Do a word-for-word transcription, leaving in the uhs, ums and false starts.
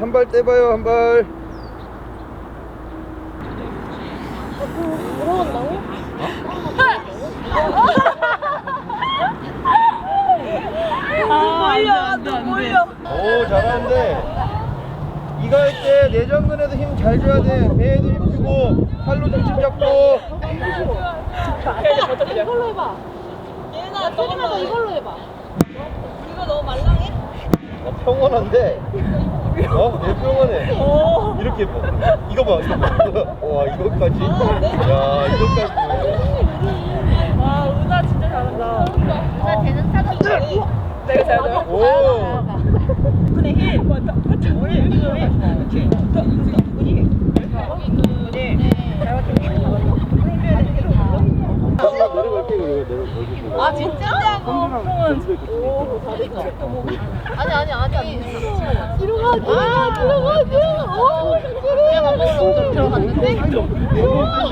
한 발 떼봐요, 한 발. 들어간다고? 아, 몰려, 또 몰려. 오, 잘하는데. 이거 할 때 내전근에도 힘 잘 줘야 돼. 배에도 힘 주고, 팔로 중심 잡고. 이걸로 해봐. 얘나 테리마다 이걸로 해봐. 이거 너무 말랑해? 어, 평온한데. 어? 내 평온해. 오. 이렇게 봐. 이거 봐, 이거 봐. 와, 이거까지. 야, 이거까지. 와, 은하 진짜 잘한다. 나 되는 찾았어. 내가 잘하죠? 오. 근데 힐. 맞다. 맞다. 우리 우리 그렇지. 더 우리. 우리. 잘 맞춰. 내려갈게, 이거 내려갈게. 아, 진짜? 오, 아니 아니 아니. 뒤로 가. 아 뒤로 가. 오. 그냥 밥 먹으러 들어갔는데.